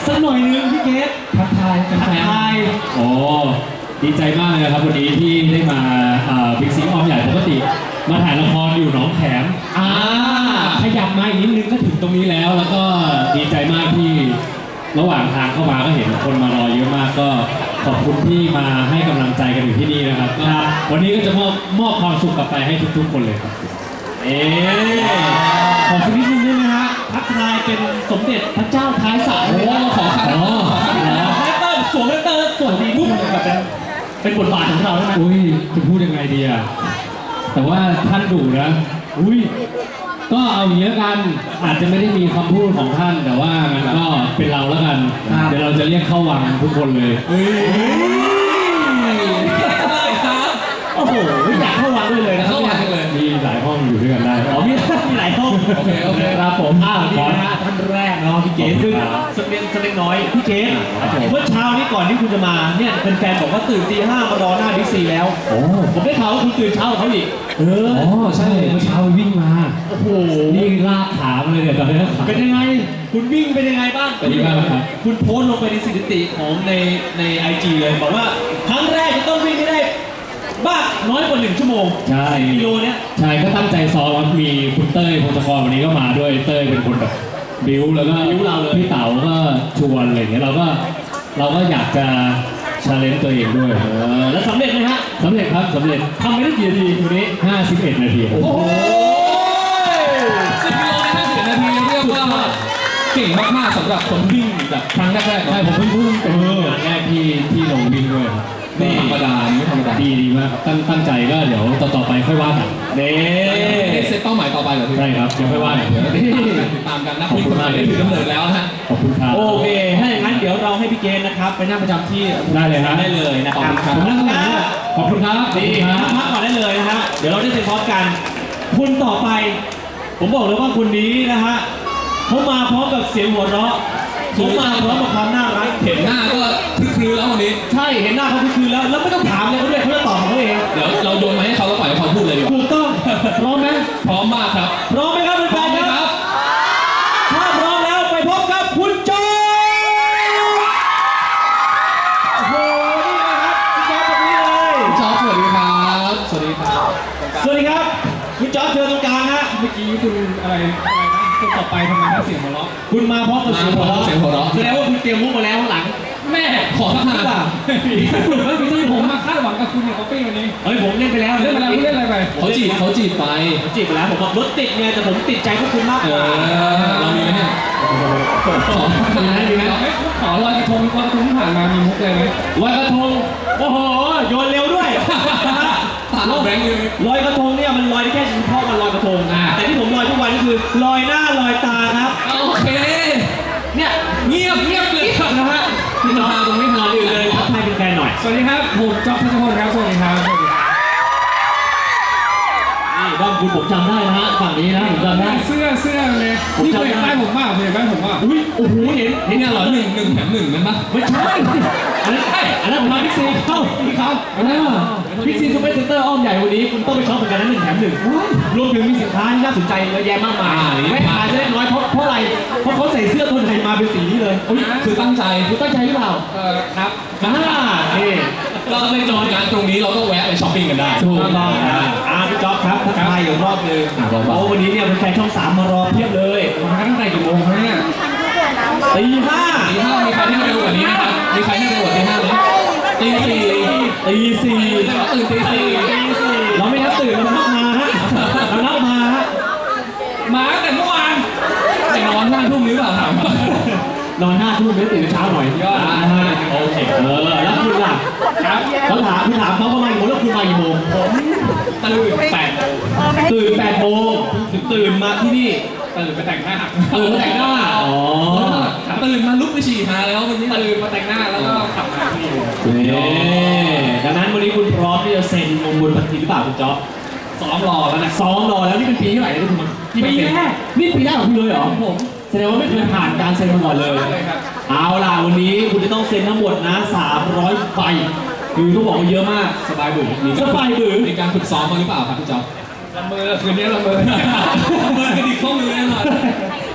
สักหน่อยนึงพี่เกศทักทายแฟนๆโอ้ดีใจมากเลยนะครับวันนี้ที่ได้มาบิ๊กซีอ้อมใหญ่ปกติมาถ่ายละครอยู่หนองแขมขยับมาอีกนิดนึงก็ถึงตรงนี้แล้วก็ดีใจมากที่ระหว่างทางเข้ามาก็เห็นคนมารอเยอะมากก็ขอบคุณที่มาให้กำลังใจกันอยู่ที่นี่นะครับวันนี้ก็จะมอบความสุขกลับไปให้ทุกๆคนเลยครับขอสักนิดนึงได้ไหมฮะทักทายเป็นสมเด็จพระเจ้าท้ายสระเราขอคาแรคเตอร์สวมคาแรคเตอร์สวมดีปุ๊บแบบเป็นบทบาทของเราใช่ไหมจะพูดยังไงดีอะแต่ว่าท่านดุนะก็เอาอย่างนี้กันอาจจะไม่ได้มีคำพูดของท่านแต่ว่ามันก็เป็นเราแล้วกันเดี๋ยวเราจะเรียกเข้าวังทุกคนเลยโอ้โหอยากเข้าวังด้วยเลยนะเข้าวังเลยมีหลายห้องอยู่ด้วยกันได้มีหลายห้องโอเคครับผมนี่นะฮะท่านแรกเนาะพี่เก๋ซึ่งสักเล็กน้อยพี่เก๋เมื่อเช้านี้ก่อนที่คุณจะมาเนี่ยเป็นแฟนบอกว่าตื่นตี 5มารอหน้าบิ๊กซีแล้วผมได้ข่าวว่าคุณตื่นเช้าเขาอีกใช่เมื่อเช้าวิ่งมาโอ้โหนี่ลากขาเลยเนี่ยตอนนี้เป็นยังไงคุณวิ่งเป็นยังไงบ้างเป็นยังไงครับคุณโพสต์ลงไปในสถิติของใน IG เลยบอกว่าครั้งแรกจะต้องวิ่งให้ได้บ้าน้อยกว่า1 ชั่วโมงใช่กิโลเนี้ยใช่ก็ตั้งใจซ้อมมีคุณเต้ยพงศกรวันนี้ก็มาด้วยเต้ยเป็นคนแบบบิ้วแล้วก็พี่เต๋าก็ชวนอะไรอย่างเงี้ยเราก็อยากจะชาเลนจ์ตัวเองด้วยแล้วสำเร็จไหมฮะสำเร็จครับสำเร็จทำไม่ได้กี่นาทีวันนี้ 51 นาทีโอ้โห 10 กิโลใน51 นาทีเรียกว่าเก่งมากๆสำหรับคนวิ่งแบบครั้งแรกๆใช่ผมเพิ่งเป็นงานแรกที่ลงวิ่งด้วยไม่ธรรมดาไม่ธรรมดาดีมากครับตั้งใจก็เดี๋ยวต่อไปค่อยว่ากันเซตเป้าหมายต่อไปเหรอพี่ใช่ครับเดี๋ยวค่อยว่ากันติดตามกันนะขอบคุณมากเลยถือกำเนิดแล้วฮะขอบคุณครับโอเคถ้าอย่างนั้นเดี๋ยวเราให้พี่เกณฑ์นะครับไปนั่งประจำที่ได้เลยครับได้เลยนะครับขอบคุณครับดีพักก่อนได้เลยนะฮะเดี๋ยวเราได้เซ็นพร้อมกันคุณต่อไปผมบอกเลยว่าคนนี้นะฮะเขามาพร้อมกับเสียงหัวเราะผมมาพร้อมกับความน่ารักเห็นหน้าก็คลึ้นแล้ววันนี้ใช่เห็นหน้าเขาคลึ้นแล้วไม่ต้องถามเลยเขาเลยเขาจะตอบของเขาเองเดี๋ยวเราโยนมาให้เขาแล้วปล่อยให้เขาพูดเลยดีกว่าถูกต้องพร้อมไหมพร้อมมากครับพร้อมไหมครับแฟนๆครับถ้าพร้อมแล้วไปพบกับคุณจอยโอ้โหนี่นะครับคุณจอยตรงนี้เลยจอยสวัสดีครับสวัสดีครับสวัสดีครับคุณจอยเชิญตรงกลางฮะเมื่อกี้คุณอะไรคนต่อไปทำไมน่าเสียงหัวเราะคุณมาพร้อมกับเสียงหัวเราะแสดงว่าคุณเตรียมมุกมาแล้วข้างหลังแม่ขอทักทายมีสักหนึ่งไม่มีสักผมมาคาดหวังกับคุณในคอฟฟี่วันนี้ผมเล่นไปแล้วเล่นอะไรไปเขาจีบไปแล้วผมบอกรถติดไงแต่ผมติดใจพวกคุณมากกว่าเรามีไหมเนี่ยมีไหมขอลอยกระทงที่ผ่านมามีมุกเลยไหมลอยกระทงโอ้โหโยนเร็วด้วยแบงค์เลยลอยกระทงเนี่ยมันลอยได้แค่เฉพาะวันลอยกระทงแต่ที่ผมลอยทุกวันก็คือลอยหน้าลอยตาครับโอเคเนี่ยเงียบเลยนะฮะพี่น้องตรงนี้นอนอยู่เลยทักทายเป็นแฟนหน่อยสวัสดีครับผมจ๊อบทัศพลครับสวัสดีครับนี่บ้านคุณผมจำได้นะฮะฝั่งนี้นะผมจำได้เสื้อเลยนี่เคยป้ายผมว่าอุ้ยโอ้โหเห็นเนี่ยเหรอ1 แถม 1นั่นปะไม่ใช่อันนั้นผมมาพิกซีเข้าพิกซีซูเปอร์เซ็นเตอร์อ้อมใหญ่วันนี้คุณต้องไปช็อปเหมือนกันนะ1 แถม 1รวมถึงมีสินค้าที่น่าสนใจเยอะแยะมากมายไม่ขายจะได้น้อยเพราะอะไรเพราะเขาใส่เสื้อตัวไทยมาเป็นสีนี้เลยคือตั้งใจหรือเปล่าครับนี่เราในจอยงานตรงนี้เราก็แวะไปช้อปปิ้งกันได้ถูกต้องพี่จ๊อบครับทักทายอยู่รอบนึงวันนี้เนี่ยเป็นแฟนช่อง3มารอเพียบเลยมาตั้งแต่กี่โมงครับเนี่ยตี 5 มีใครที่เร็วกว่านี้นะครับมีใครที่เร็วกว่าตี 5ไหมตี 4ตื่นตี 4 เราไม่นับตื่นเรานับมาฮะเรานับมาฮะมาแต่เมื่อวานแต่นอน5 ทุ่มหรือเปล่าถามนอน5 ทุ่มไม่ตื่นเช้าหน่อยยอดโอเคแล้วคุณล่ะครับเขาถามเขาประมาณกี่โมงแล้วคุณมากี่โมงผมตื่น8 โมงถึงตื่นมาที่นี่ตื่นไปแต่งหน้าแต่งหน้าตื่นมาลุกไปฉี่มาแล้ววันนี้ตื่นมาแต่งหน้าแล้วก็ขับมาที่นี่ดังนั้นวันนี้คุณพร้อมที่จะเซ็นมงคลพันธีหรือเปล่าคุณจ๊อบซ้อมรอแล้วนี่เป็นปีที่ไหนนะคุณปีแรกนี่ปีแรกของคุณเลยเหรอผมแสดงว่าไม่เคยผ่านการเซ็นมาก่อนเลยเอาล่ะวันนี้คุณจะต้องเซ็นทั้งหมดนะ300 ใบคือต้องบอกว่าเยอะมากสบายบึ้งมีการฝึกซ้อมมาหรือเปล่าครับพี่จ๊อบละเมอคืนนี้ละเมอกระดิกข้อมือแน่นอน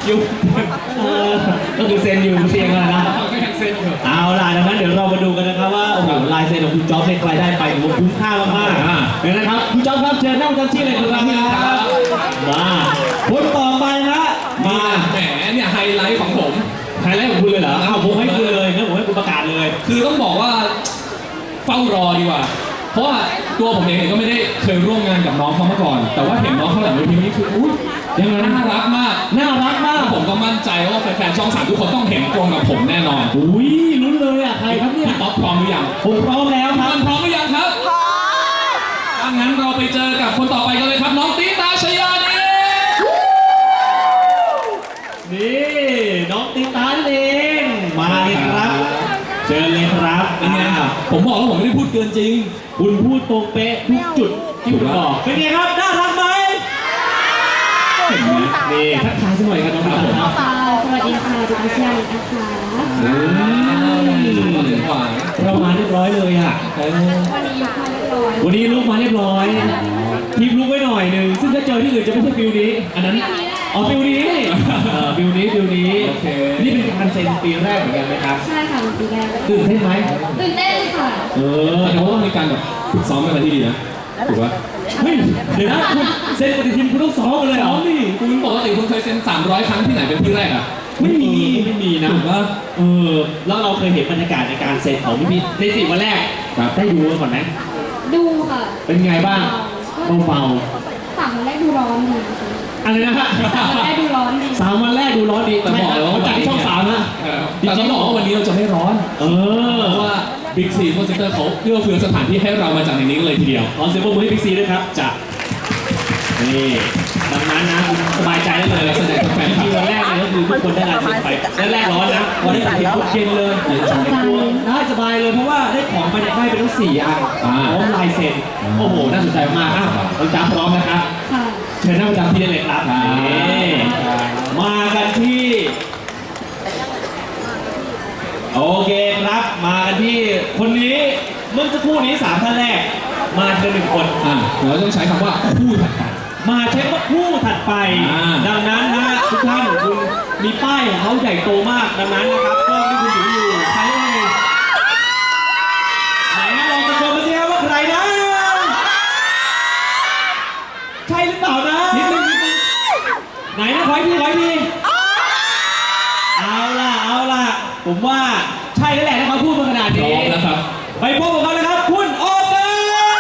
อยู่ก็คือเซ็นอยู่เตียงแล้วนะก็ยังเซ็นอยู่เอาล่ะดังนั้นเดี๋ยวเรามาดูกันนะครับว่าโอ้โหลายเซ็นของคุณจ๊อบเนี่ยใครได้ไปถือว่าคุ้มค่ามากๆเดี๋ยวนะครับคุณจ๊อบครับเชิญนั่งประจำที่เลยครับมาคนต่อไปนะมาแหมเนี่ยไฮไลท์ของผมไฮไลท์ของคุณเลยเหรออ้าวผมให้คุณเลยงั้นผมให้คุณประกาศเลยคือต้องบอกว่าเฝ้ารอดีกว่า เพราะว่าตัวผมเองเนี่ยก็ไม่ได้เคยร่วมงานกับน้องเขามาก่อน แต่ว่าเห็นน้องเขาหลังเวทีนี้คืออุ้ยยังไงน่ารักมากน่ารักมากผมก็มั่นใจว่าแฟนๆช่อง 3ทุกคนต้องเห็นตรงกับผมแน่นอนอุ้ยลุ้นเลยอ่ะใครครับเนี่ยพี่ป๊อปพร้อมหรือยังผมพร้อมแล้วคทุกรับคนพร้อมหรือยังครับพร้อมถ้างั้นเราไปเจอกับคนต่อไปกันเลยครับน้องตีตาชยานีนี่น้องติตาเองมาเลยครับ เชิญเลยครับเป็นไงผมบอกแล้วผมไม่ได้พูดเกินจริงคุณพูดตรงเป๊ะทุกจุดที่คุณบอกเป็นไงครับน่ารักไหมเห็นไหมนี่ทักทายสักหน่อยครับน้องติตาครับค่ะสวัสดีค่ะดิฉันชยานินะคะก็ถึงหวานเรามาเรียบร้อยเลยอ่ะวันนี้ยกมาเรียบร้อยวันนี้ลุกมาเรียบร้อยทีมลุกไว้หน่อยหนึ่งซึ่งถ้าเจอที่อื่นจะไม่ใช่ฟิลนี้อันนั้นอ๋อฟิลนี้ฟิลนี้ฟิลนี้โอเคนี่เป็นการเซ็นปีแรกเหมือนกันไหมครับใช่ค่ะเป็นปีแรกตื่นเต้นไหมตื่นเต้นค่ะแต่ว่ามีการแบบฝึกซ้อมกันมาที่ดีนะถูกปะเฮ้ยเดี๋ยวนะคุณเซ็นปฏิทินคุณต้องซ้อมกันเลยเหรซ้ออมดิคุณปกติคุณเคยเซ็น300 ครั้งที่ไหนเป็นที่แรกอ่ะไม่มีนะถูกปะแล้วเราเคยเห็นบรรยากาศในการเซ็นของพี่ใน4 วันแรกครับได้ดูกันก่อนไหมดูค่ะเป็นไงบ้างเบาสามวันแรกดูร้อนดีๆอะไรนะฮะสามวันแรกดูร้อนดี 3 วันแรกดูร้อนดีแต่บอกเลยว่าเขาจัดที่ช่อง3นะแต่ต้องบอกว่าวันนี้เราจะไม่ร้อนเออเพราะว่าบิ๊กซีโคเซ็นเตอร์เขาเอื้อเฟื้อสถานที่ให้เรามาจากในนี้เลยทีเดียวขอเสียงปรบมือให้บิ๊กซีด้วยครับจะนี่ดังนั้นนะคุณสบายใจได้เลยแสดงแฟนคลับที่วันแรกเลยก็คือทุกคนได้ลายเซ็นไปแรกร้อนนะวันนี้ถึงเย็นเลยได้สบายเลยเพราะว่าได้ของไปได้เป็นทั้ง4 อันพร้อมลายเซ็นโอ้โหน่าสนใจมากอ้าวเราจ้าพร้อมนะครับค่ะเชิญนั่งประจำที่ได้เลยครับนี่มากันที่ โอเคครับ มากันที่คนนี้เมื่อสักครู่นี้3 ท่านแรก มาเพียง1 คนเราต้องใช้คำว่าคู่ถัดไปมาใช้ว่าคู่ถัดไป ดังนั้นนะทุกท่านคุณมีป้ายของเขาใหญ่โตมาก ดังนั้นนะครับกล้องที่คุณถืออยู่ใครเอ่ยไหนนะลองตะโกนมาสิครับว่าใครนะ ใช่หรือเปล่านะนิดนึงไหนนะขออีกทีเอาล่ะ ผมว่าใช่แล้วแหละถ้าเขาพูดมาขนาดพร้นี้อมนะครับไปพบกับเขาเลยครับ คุณโอเกอร์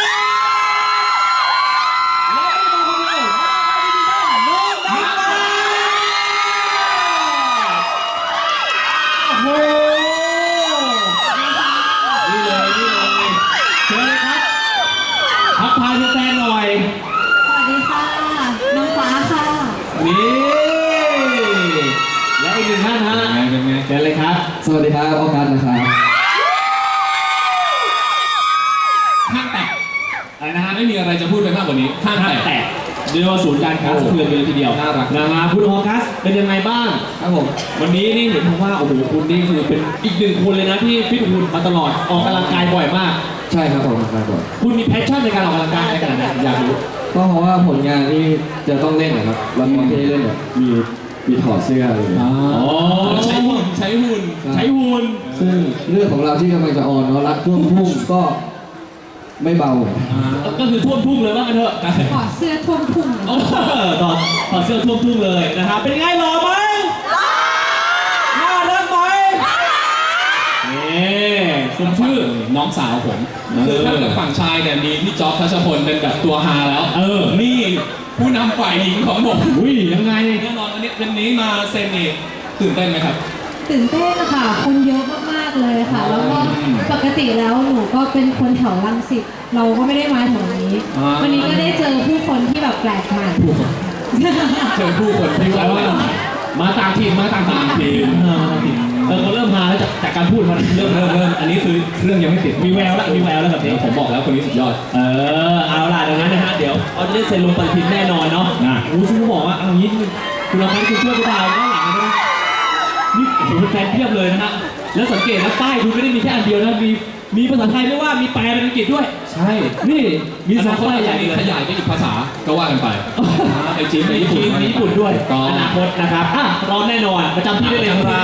และไม่ต้องคนเดียวน้องดังมาโอ้โหนี่เลยเชิญเลยครับทักทายแฟนๆหน่อยสวัสดีค่ะ น้องฟ้าค่ะนี่และอีก1 ท่านฮะเป็นไงเชิญเลยครับสวัสดีครับออกัสนะครับห้างแตกอะไรนะฮะไม่มีอะไรจะพูดไปมากกว่านี้ห้างห้างแตกแตกเรียกว่าศูนย์การค้าสะเทือนไปเลยทีเดียวน่ารักนะฮะคุณออกัสเป็นยังไงบ้างครับผมวันนี้นี่เห็นผมว่าโอ้โหคุณนี่คือเป็นอีก1 คนเลยนะที่ฟิตหุ่นมาตลอดออกกำลังกายบ่อยมากใช่ครับผมครับผมคุณมีแพชชั่นในการออกกำลังกายขนาดไหนอยากรู้ก็เพราะว่าผลงานที่จะต้องเล่นนะครับละครที่ได้เล่นเนี่ยมีถอดเสื้อเลยอ๋อใช้หุ่นใช้หุ่นซึ่งเรื่องของเราที่กำลังจะออนเนาะรักท่วมทุ่งก็ไม่เบาก็คือท่วมทุ่งเลยว่ากันเถอะขอเสื้อท่วมพุ่งต่อเสื้อท่วมทุ่งเลยนะครับเป็นไงหล่อไหมน่ารักไหมนี่คุณชื่อน้องสาวผมคือถ้าเกิดฝั่งชายเนี่ยมีพี่จ๊อบทัชพลเป็นแบบตัวฮาแล้ว นี่ผู้นำฝ่ายหญิงของผมอุ้ยยังไงแน่นอนวันนี้มาเซ็นนี่ตื่นเต้นไหมครับตื่นเต้นค่ะ คนเยอะมากๆเลยค่ะ แล้วก็ปกติแล้วหนูก็เป็นคนแถวรังสิตเราก็ไม่ได้มาแถวนี้ วันนี้ก็ได้เจอผู้คนที่แบบแปลกใหม่เจอผู้คนที่ว่ามาต่างถิ่นเขาเริ่มมาแล้วจากการพูดมันเริ่มอันนี้คือเครื่องยังไม่ติดมีแววแล้วแบบนี้ผมบอกแล้วคนนี้สุดยอดเอาล่ะดังนั้นนะฮะเดี๋ยวเขาจะได้เซ็นลงปฏิทินแน่นอนเนาะซึ่งเขาบอกว่าเอางี้คุณลองกันคุณช่วยกูดาวด้านหลังนะนี่โอ้โหแฟนเพียบเลยนะฮะแล้วสังเกตนะป้ายคุณไม่ได้มีแค่อันเดียวนะมีมีภาษาไทยไม่ว่ามีแปลเป็นอังกฤษด้วยใช่นี่มีอสอนาง คตป้ายอาจใหจะญ่มีเลยขยายไปอีกภาษาก็ว่ากันไปไอจีนในญี่จีปุ่นนมีญี่ปุ่นด้วยถูกต้องอนาคตนะครับพร้อมแน่นอนประจำที่ได้เลยครับ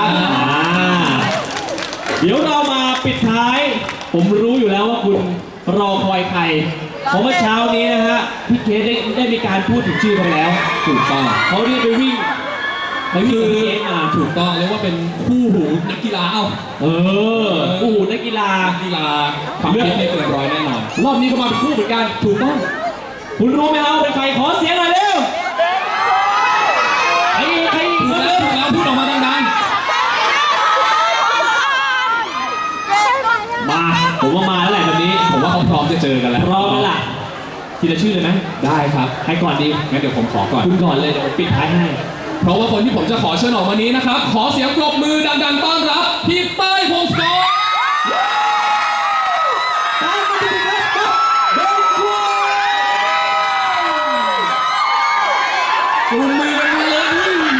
เดี๋ยวเรามาปิดท้าย ผมรู้อยู่แล้วว่าคุณรอคอยใครเพราะเมื่อเช้านี้นะฮะพี่เคสได้มีการพูดถึงชื่อเขาแล้วถูกต้องเขาเรียกไปวิ่งกับพี่เคสมาถูกต้องเรียกว่าเป็นคู่หูนักกีฬาเอ้าโอ้โหนักกีฬานักกีฬาความฟิตนี่เกินร้อยแน่นอนรอบนี้ก็มาเป็นคู่เหมือนกันถูกต้อง คุณรู้ไหมครับว่าเป็นใครขอเสียงหน่อยเร็วใครถูกแล้วพูดออกมาดังมาผมว่ามาแล้วแหละแบบนี้ๆผมว่าเขาพร้อมจะเจอกันแล้วพร้อมแล้วล่ะทีละชื่อเลยไหมได้ครับใครก่อนดีงั้นเดี๋ยวผมขอก่อนคุณก่อนเลยเดี๋ยวผมปิดท้ายให้เพราะว่าคนที่ผมจะขอเชิญออกมานี้นะครับ ขอเสียงปรบมือดังๆต้อนรับพี่เต้ยพงศกรปรบมือกันมาเลย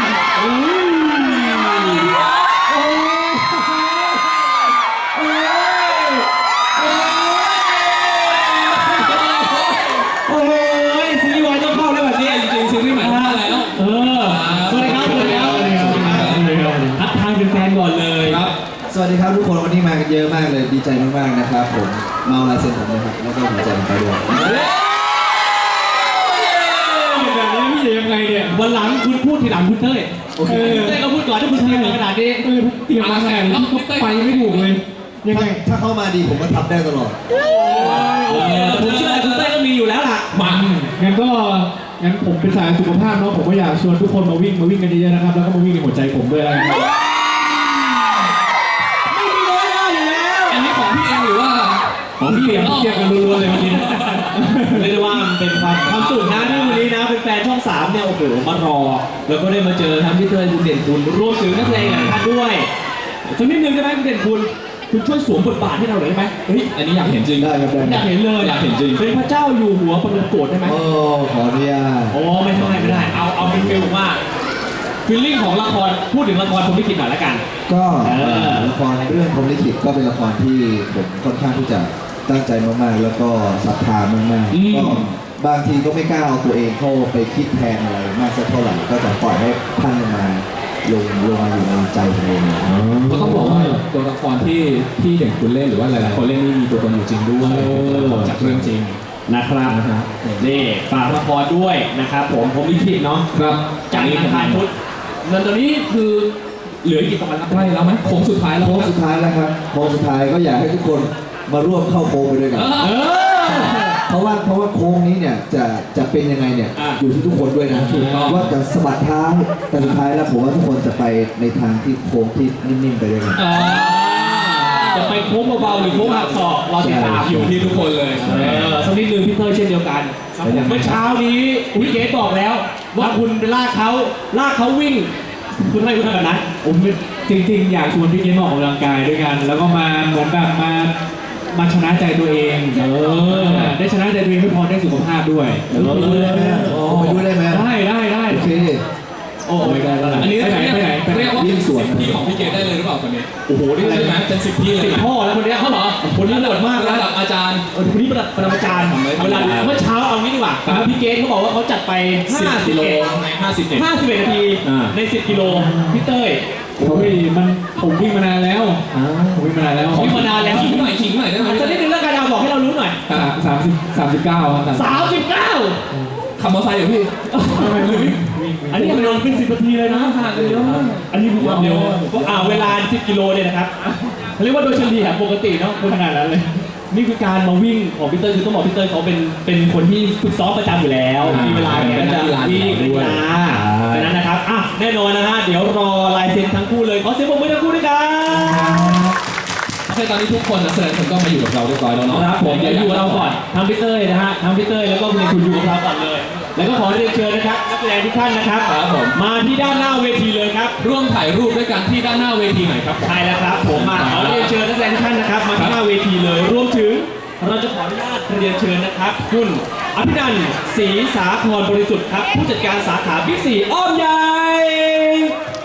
โอ้ยซีรีส์วายต้องเข้าแล้วแบบนี้จริงๆซีรีส์ใหม่มาแล้วสวัสดีครับสวัสดีครับทักทายเป็นแฟนก่อนเลยครับสวัสดีครับทุกคนวันนี้มากันเยอะมากเลยดีใจมากๆนะครับผมเมาลายเซ็นผมนะครับแล้วก็หัวใจผมไปด้วยแบบนี้พี่จะยังไงเนี่ยวันหลังคุณพูดทีหลังคุณเต้ยเต้ยก็พูดก่อนถ้าคุณเต้ยเหมือนขนาดนี้เตรียมมาขนาดนี้ก็ไปไม่ถูกเลยยังไงถ้าเข้ามาดีผมก็ทำได้ตลอดผมเชื่อคุณเต้ยก็มีอยู่แล้วล่ะงั้นผมเป็นสายสุขภาพเนาะผมก็อยากชวนทุกคนมาวิ่งกันเยอะๆนะครับ แล้วก็มาวิ่งในหัวใจผมด้วยนะครับไม่มีน้อยหน้าอยู่แล้วอันนี้ของพี่เองหรือว่าของพี่เตรียมกันรัวๆเลยวันนี้เรียกได้ว่ามันเป็นความสุขนะที่วันนี้นะเป็นแฟนช่อง 3เนี่ยโอ้โหมารอ แล้วก็ได้มาเจอทั้งพี่เต้ยคุณเด่นคุณรวมถึงนักแสดงหลายท่านด้วยสักนิดนึงได้ไหมคุณเด่นคุณช่วยสวมบทบาทให้เราหน่อยได้ไหมเฮ้ยอันนี้อยากเห็นจริงได้ครับได้อยากเห็นเลยอยากเห็นจริงเป็นพระเจ้าอยู่หัวปรโกฏได้ไหมโอ้ขออนุญาตโอ้ไม่ได้เอาเป็นฟิลว่าฟีลลิ่งของละครพูดถึงละครผมไม่คิดหน่อยละกันก็อละครเรื่องพรหมลิขิตก็เป็นละครที่ผมค่อนข้างที่จะตั้งใจมากๆแล้วก็ศรัทธามากๆก็บางทีก็ไม่กล้าเอาตัวเองเข้าไปคิดแทนอะไรมากสักเท่าไหร่ก็จะปล่อยให้ท่านมาลงมาอยู่ในใจผมเองก็ต้องบอกว่าตัวละครที่เด่นคุณเล่นหรือว่าหลายๆคนเล่นนี่มีตัวตนอยู่จริงด้วยเป็นตัวละครจากเรื่องจริงนะครับนี่ฝากละครด้วยนะครับผมลิขิตเนาะครับจากนี้อังคารพุธเงินตอนนี้คือเหลืออีกกี่วันครับใกล้แล้วไหมโค้งสุดท้ายแล้วโค้งสุดท้ายแล้วครับโค้งสุดท้ายก็อยากให้ทุกคนมาร่วมเข้าโค้งไปด้วยกันเออเพราะว่าโค้งนี้เนี่ยจะเป็นยังไงเนี่ยอ่ะอยู่ที่ทุกคนด้วยนะว่าจะสะบัดเท้าแต่สุดท้ายแล้วผมว่าทุกคนจะไปในทางที่โค้งที่นิ่มๆไปด้วยกันจะไปโค้งเบาๆหรือโค้งหักศอกรอติดตามอยู่ที่ทุกคนเลยสักนิดนึงพี่เต้ยเช่นเดียวกันเมื่อเช้านี้คุณเกศบอกแล้วว่าคุณไปลากเขาวิ่ง คุณให้คุณทำแบบนั้นผมจริงๆ อยากชวนพี่เกมออกกำลังกายด้วยกัน แล้วก็มาเหมือนแบบมาชนะใจตัวเองได้ชนะใจตัวเองไม่พอได้สุขภาพด้วยไปด้วยได้ไหมผมไปด้วยได้ไหมได้โอเคโอ้ไม่ได้แล้วอันนี้ไปไหนเรียกว่าวิ่เป็นงสวน 10ที่ของพี่เกดได้เลยหรือเปล่าคนนี้โอ้โหนี่ใช่ไหมเป็น10ที่เลยสิบนะพ่อแล้วคนนี้เขาเหรอคนนี้โหดมากระนะดับอาจารย์คนนี้ประดับอาจารย์เวลาเมื่อเช้าเอางี้ดีกว่าพี่เกศเขาบอกว่าเขาจัดไป 10 กิโลใน51 นาทีใน 10 กิโลพี่เต้ยผมวิ่งมานานแล้วผมวิ่งมานานแล้ววิ่งมานานแล้วขิงหน่อยได้ไหมสักนิดนึงแล้วกันเอาบอกให้เรารู้หน่อย 39ครับ 39 ขับมอเตอร์ไซค์เหรอพี่อันนี้มันเป็น10 นาทีเลยนะห่างกันเยอะมากอันนี้ความเร็วเวลา 10 กิโลเนี่ยนะครับเรียกว่าโดยเฉลี่ยปกติเนาะขนาดนั้นเลย นี่คือการมาวิ่งของพี่เต้ยคือต้องบอกพี่เต้ยเขาเป็นคนที่ฝึกซ้อมประจำอยู่แล้วมีเวลาเนี่ยก็จะวิ่งเป็นกีฬาดังนั้นนะครับแน่นอนนะฮะเดี๋ยวรอลายเซ็นทั้งคู่เลยขอเสียงปรบมือทั้งคู่ด้วยกันโอเคตอนนี้ทุกคนนักแสดงทุกคนก็มาอยู่กับเราเรียบร้อยแล้วเนาะครับผมเดี๋ยวอยู่กับเราก่อนทั้งพี่เต้ยนะฮะทั้งพี่เต้ยแล้วก็คุณอยู่กับเราก่อนเลย แล้วก็ขอเรียนเชิญนะครับนักแสดงทุกท่านนะครับครับผมมาที่ด้านหน้าเวทีเลยครับร่วมถ่ายรูปด้วยกันที่ด้านหน้าเวทีหน่อยครับใช่แล้วครับผมขอเรียนเชิญนักแสดงทุกท่านนะครับมาที่หน้าเวทีเลยรวมถึงเราจะขออนุญาตเรียนเชิญนะครับคุณอภินันท์ศรีสาครบริสุทธิ์ครับผู้จัดการสาขาบิ๊กซีอ้อมใหญ่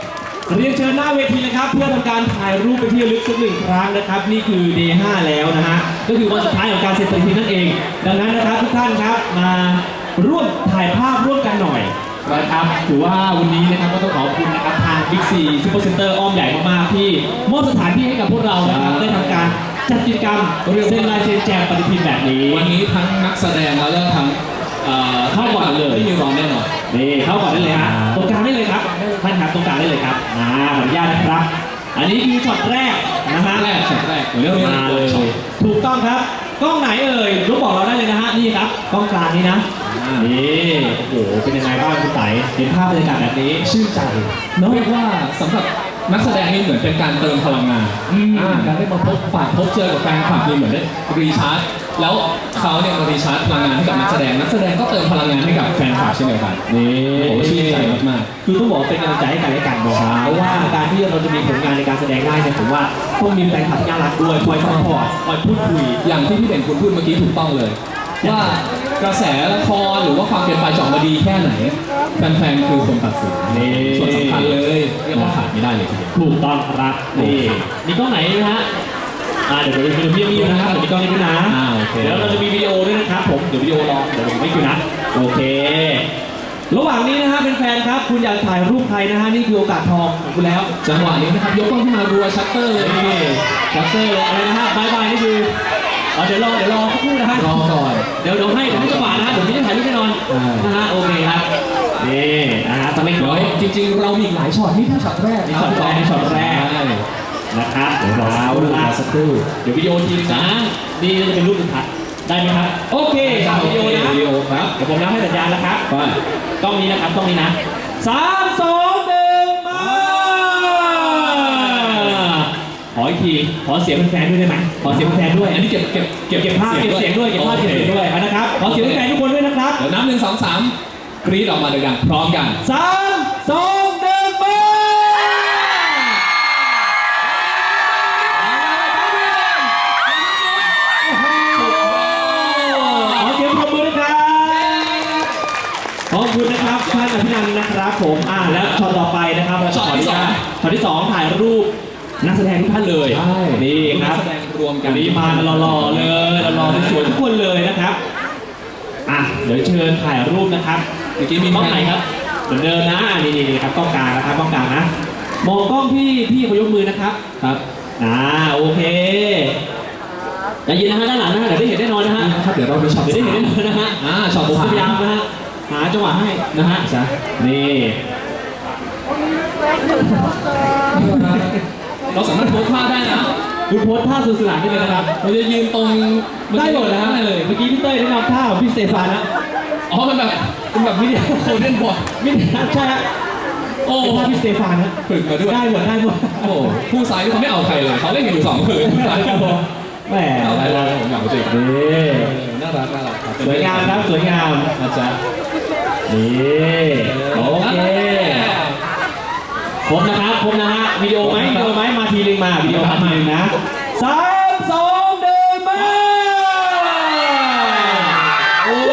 เรียนเชิญหน้าเวทีเลยครับเพื่อทำการถ่ายรูปเป็นที่ระลึกสักหนึ่งครั้งนะครับนี่คือ Day 5 แล้วนะฮะก็คือวันสุดท้ายของการเซ็นปฏิทินนั่นเอง ดังนั้นนะครับทุกท่านครับมาร่วมถ่ายภาพร่วมกันหน่อยนะครับถือว่าวันนี้นะครับก็ต้องขอบคุณนะครับทาง Big C Super Center อ้อมใหญ่มากๆที่มอบสถานที่ให้กับพวกเรานะครับได้ทำการจัดกิจกรรมเซ็นลายเซ็นแจกปฏิทินแบบนี้วันนี้ทั้งนักแสดงแล้วก็ทั้งเข้าก่อนเลยไม่มีรองแน่นอนนี่เข้าก่อนได้เลยฮะตรงกลางได้เลยครับท่านครับตรงกลางได้เลยครับขออนุญาตนะครับ อันนี้คือช็อตแรกนะฮะช็อตแรกเรื่องมาเลยถูกต้องครับกล้องไหนเอ่ยรู้บอกเราได้เลยนะฮะนี่ครับกล้องกลางนี้นะนี่โอ้โหเป็นยังไงบ้างคุณไต๋เห็นภาพบรรยากาศแบบนี้ชื่นใจเรียกว่าสำหรับนักแสดงนี่เหมือนเป็นการเติมพลังงานการได้มาพบปะพบเจอกับแฟนคลับนี่เหมือนได้รีชาร์จแล้วเขาเนี่ยมารีชาร์จพลังงานให้กับนักแสดงก็เติมพลังงานให้กับแฟนคลับเช่นเดียวกันนี่โอ้โหชื่นใจมากคือต้องบอกว่าเป็นกำลังใจให้กันและกันเนาะเพราะว่าการที่เราจะมีผลงานในการแสดงได้เนี่ยผมว่าต้องมีแฟนคลับที่น่ารักด้วยคอยซัพพอร์ตคอยพูดคุยๆอย่างที่พี่เด่นคุณพูดเมื่อกี้ถูกต้องเลย ว่ากระแสละครหรือว่าความเป็นไปจะออกมาดีแค่ไหนแฟนๆคือคนตัดสินนี่ส่วนสำคัญเลยเรียกว่าขาดไม่ได้เลยทีเดียวถูกต้องครับนี่มีกล้องไหนนะฮะเดี๋ยวพี่มีนะครับเดี๋ยวมีกล้องนี้ด้วยนะโอเคเดี๋ยวเราจะมีวิดีโอด้วยนะครับผมเดี๋ยววิดีโอรอเดี๋ยวผมไม่คิวนะโอเค ระหว่างนี้นะฮะเป็นแฟนครับคุณอยากถ่ายรูปใครนะฮะนี่คือโอกาสทองของคุณแล้วจังหวะนี้นะครับยกกล้องขึ้นมารัวชัตเตอร์เลยนี่ชัตเตอร์เลยอะไรนะฮะบายบายนี่คือเดี๋ยวรอสักครู่นะฮะรอก่อนเดี๋ยวให้จังหวะนะฮะเดี๋ยวพี่จะถ่ายรูปแน่นอนนะฮะโอเคครับนี่นะฮะตอนนี้เดี๋ยวจริงๆ เรามีอีกหลายช็อตนี่แค่ช็อตแรกช็อตแรกนะครับเดี๋ยวรอสักครู่เดี๋ยววิดีโอทีนึงนะนี่จะเป็นรูปสุดท้ายได้ไหมครับโอเควิดีโอนะวิดีโอครับเดี๋ยวผมนับให้สัญญาณนะครับไปกล้องนี้นะครับกล้องนี้นะ3 2 1มาขออีกทีขอเสียงแฟนๆด้วยได้ไหมขอเสียงแฟนๆด้วยอันนี้เก็บภาพเก็บเสียงด้วยเก็บภาพเก็บเสียงด้วยนะครับขอเสียงแฟนๆทุกคนด้วยนะครับเดี๋ยวนับ1 2 3กรี๊ดออกมาดังๆพร้อมกัน 3 2 1มาขอเสียงปรบมือด้วยครับขอบคุณนะครับท่านอภินันท์นะครับผมแล้วช็อตต่อไปนะครับช็อตที่สองถ่ายรูปนักแสดงทุกท่านเลยใช่นี่ครับนักแสดงรวมกันวันนี้มากันหล่อๆเลยหล่อๆสวยๆทุกคนเลยนะครับเดี๋ยวเชิญถ่ายรูปนะครับเมื่อกี้มีกล้องไหนครับเหมือนเดิมนะนี่ครับกล้องกลางนะครับกล้องกลางนะมองกล้องพี่เขายกมือนะครับครับโอเคใจเย็นนะฮะด้านหลังนะฮะเดี๋ยวได้เห็นแน่นอนนะฮะครับเดี๋ยวเราไปช็อตเดี๋ยวได้เห็นแน่นอนนะฮะช็อตผมสาพยายามมนะฮะหาจังหวะให้นะฮะนี่เราสามารถโพสท่าได้นะคุณโพสท่าสุดสลาดได้เลยนะครับเราจะยืนตรงได้หมดนะฮะได้เลยเมื่อกี้พี่เต้ยแนะนำท่าของพี่สเตฟานนะอ๋อมันแบบวิดีโอโคเดนบอร์ดไม่ได้ใช่ฮะโอ้เป็นท่าพี่สเตฟานนะฝึกมาด้วยได้หมดโอ้ผู้ซ้ายที่เขาไม่เอาใครเลยเขาเล่นกันอยู่2 คนผู้ซ้ายแหมเอาอะไรเลยผมอยากรู้จักนี่น่ารักครับสวยงามครับสวยงามนะจ๊ะนี่โอเคครบนะครับครบนะฮะวิดีโอไหมมาทีนึงมาวิดีโอมาทีนึงนะ3 2 1มาโอ้โห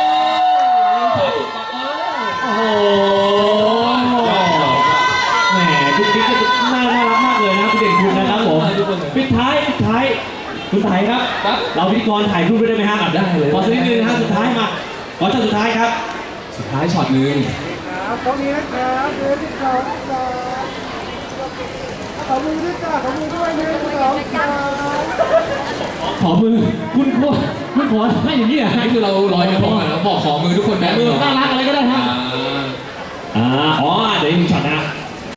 แหมคุณบิ๊กน่ารักมากเลยนะคุณเด่นคุณนะครับผมปิดท้ายคุณไทยครับ เราพิธีกรถ่ายรูปด้วยได้ไหมฮะได้เลยขอสักนิดนึงนะฮะสุดท้ายมาขอช็อตสุดท้ายครับสุดท้ายช็อตนึงตรงนี้นะครับเดินที่สองขอมือด้วยจ้าขอมือด้วย1 2 3 ขอมือคุณขอให้อย่างนี้เหรอนี่คือเราลอยกระทงแล้วบอก